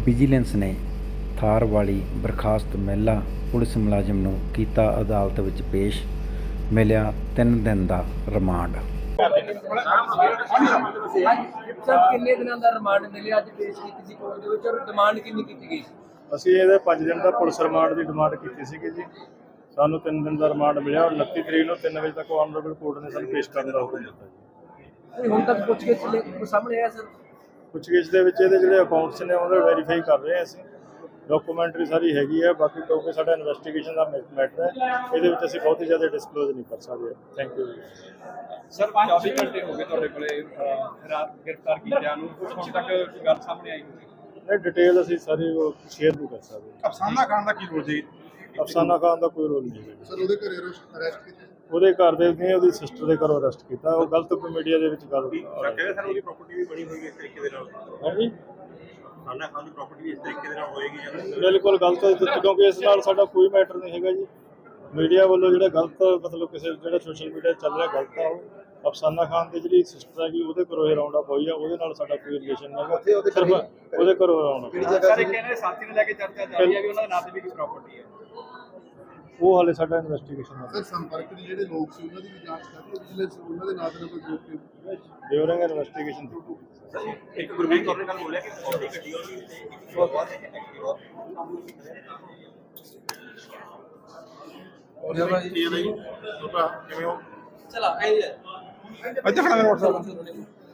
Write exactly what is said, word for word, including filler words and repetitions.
Vigilance ਨੇ ਥਾਰ ਵਾਲੀ ਬਰਖਾਸਤ ਮਹਿਲਾ ਪੁਲਿਸ ਮੁਲਾਜ਼ਮ ਨੂੰ ਕੀਤਾ ਅਦਾਲਤ ਵਿੱਚ ਪੇਸ਼। ਮਿਲਿਆ ਤਿੰਨ ਦਿਨ ਦਾ ਰਿਮਾਂਡ। ਸਰ ਕਿੰਨੇ ਦਿਨਾਂ ਦਾ ਰਿਮਾਂਡ ਮਿਲਿਆ ਅੱਜ ਪੇਸ਼ ਕੀਤੀ ਸੀ ਕੋਰਟ ਦੇ ਵਿੱਚ ਔਰ ਡਿਮਾਂਡ ਕਿੰਨੀ ਕੀਤੀ ਗਈ? ਅਸੀਂ ਇਹਦੇ ਪੰਜ ਦਿਨ ਦਾ ਪੁਲਿਸ ਰਿਮਾਂਡ ਦੀ ਡਿਮਾਂਡ ਕੀਤੀ ਸੀਗੀ ਜੀ। ਸਾਨੂੰ ਤਿੰਨ ਦਿਨ ਦਾ ਰਿਮਾਂਡ ਮਿਲਿਆ ਔਰ ਉਨੱਤੀ ਤਰੀਕ ਨੂੰ ਤਿੰਨ ਵਜੇ ਤੱਕ ਆਨਰੇਬਲ ਕੋਰਟ ਨੇ ਸਾਨੂੰ ਪੇਸ਼ ਕਰਨ ਦਾ ਹੁਕਮ ਦਿੱਤਾ ਜੀ। ਹੁਣ ਤੱਕ ਪੁੱਛਗਿੱਛ ਸਾਹਮਣੇ ਆਇਆ ਸਰ? ਪੁੱਛਗਿੱਛ ਦੇ ਵਿੱਚ ਇਹਦੇ ਜਿਹੜੇ ਅਕਾਊਂਟਸ ਨੇ ਉਹਦੇ ਵੈਰੀਫਾਈ ਕਰ ਰਹੇ ਹਾਂ ਅਸੀਂ। ਡਾਕੂਮੈਂਟਰੀ ਸਾਰੀ ਹੈਗੀ ਹੈ, ਬਾਕੀ ਕਿਉਂਕਿ ਸਾਡਾ ਇਨਵੈਸਟੀਗੇਸ਼ਨ ਦਾ ਮੈਟਰ ਹੈ, ਇਹਦੇ ਵਿੱਚ ਅਸੀਂ ਬਹੁਤ ਹੀ ਜ਼ਿਆਦਾ ਡਿਸਕਲੋਜ਼ ਨਹੀਂ ਕਰ ਸਕਦੇ। ਥੈਂਕ ਯੂ ਜੀ। ਸਰ ਚੌਵੀ ਘੰਟੇ ਹੋ ਗਏ ਤੁਹਾਡੇ ਕੋਲੇ ਰਾਤ ਗ੍ਰਿਫਤਾਰ ਕੀਤਿਆਂ ਨੂੰ, ਕੁਝ ਹੁਣ ਤੱਕ ਗੱਲ ਸਾਹਮਣੇ ਆਈ ਹੋਈ? ਇਹ ਡਿਟੇਲ ਅਸੀਂ ਸਾਰੀ ਸ਼ੇਅਰ ਨਹੀਂ ਕਰ ਸਕਦੇ। ਅਫਸਾਨਾ ਖਾਨ ਦਾ ਕੀ ਰੋਲ ਸੀ? ਅਫਸਾਨਾ ਖਾਨ ਦਾ ਕੋਈ ਰੋਲ ਨਹੀਂ ਹੈ ਸਰ ਉਹਦੇ ਘਰੇ ਅਰੈਸਟ ਕੀਤਾ? ਉਹਦੇ ਘਰ ਦੇ ਨੇ ਉਹਦੀ ਸਿਸਟਰ ਦੇ ਘਰੋਂ ਅਰੈਸਟ ਕੀਤਾ। ਉਹ ਗਲਤ ਮੀਡੀਆ ਦੇ ਵਿੱਚ ਗੱਲ ਕਹਿੰਦੇ ਸਰ ਉਹਦੀ ਪ੍ਰਾਪਰਟੀ ਵੀ ਬਣੀ ਹੋਈ ਹੈ ਇਸ ਤਰੀਕੇ ਦੇ ਨਾਲ। ਹਾਂਜੀ, ਅਫਸਾਨਾ ਖਾਨ ਦੀ ਪ੍ਰਾਪਰਟੀ ਵੀ ਇਸ ਤਰੀਕੇ ਦੇ ਨਾਲ ਹੋਏਗੀ ਜਾਂ ਬਿਲਕੁਲ ਗਲਤ ਹੈ, ਕਿਉਂਕਿ ਇਸ ਨਾਲ ਸਾਡਾ ਕੋਈ ਮੈਟਰ ਨਹੀਂ ਹੈਗਾ ਜੀ। ਮੀਡੀਆ ਵੱਲੋਂ ਜਿਹੜਾ ਗਲਤ ਮਤਲਬ ਕਿਸੇ ਜਿਹੜਾ ਸੋਸ਼ਲ ਮੀਡੀਆ ਚੱਲ ਰਿਹਾ ਗਲਤ ਆ। ਉਹ ਅਫਸਾਨਾ ਖਾਨ ਦੀ ਜਿਹੜੀ ਸਿਸਟਰ ਹੈਗੀ ਉਹਦੇ ਘਰੋਂ ਇਹ ਰਾਉਂਡ ਅਪ ਹੋਈ ਆ, ਉਹਦੇ ਨਾਲ ਸਾਡਾ ਕੋਈ ਰਿਲੇਸ਼ਨ ਨਹੀਂ ਹੈਗਾ, ਸਿਰਫ ਉਹਦੇ ਘਰੋਂ ਰਾਉਂਡ ਅਪ। ਸਰ ਇੱਕ ਇਹਨਾਂ ਦੇ ਸਾਥੀ ਨੂੰ ਲੈ ਕੇ ਚਰਚਾ ਚੱਲ ਰਹੀ ਹੈ ਵੀ ਉਹਨਾਂ ਦੇ ਨਾਂ ਤੇ ਵੀ ਕੋਈ ਪ੍ਰਾਪਰਟੀ ਹੈ। ਉਹ ਹਾਲੇ ਸਾਡਾ ਇਨਵੈਸਟੀਗੇਸ਼ਨ ਹੈ। ਸਰ ਸੰਪਰਕ ਦੇ ਜਿਹੜੇ ਲੋਕ ਸੀ ਉਹਨਾਂ ਦੀ ਵੀ ਜਾਂਚ ਕਰ ਰਹੀ ਹੈ ਵਿਜੀਲੈਂਸ, ਉਹਨਾਂ ਦੇ ਨਾਂ ਤੇ ਕੋਈ ਗਰੁੱਪ ਨਹੀਂ? ਡਿਊਰਿੰਗ ਇਨਵੈਸਟੀਗੇਸ਼ਨ ਇੱਕ ਗੁਰਮੀਤ ਕੌਰ ਨੇ ਕੱਲ ਬੋਲਿਆ ਕਿ ਪ੍ਰਾਪਰਟੀ ਗੱਡੀ ਹੋਣੀ ਔਰ ਜੀ ਕਿਵੇਂ ਹੋ ਚਲਾ ਆਈ ਅੱਛਾ ਖੜਾ ਮੇਰਾ WhatsApp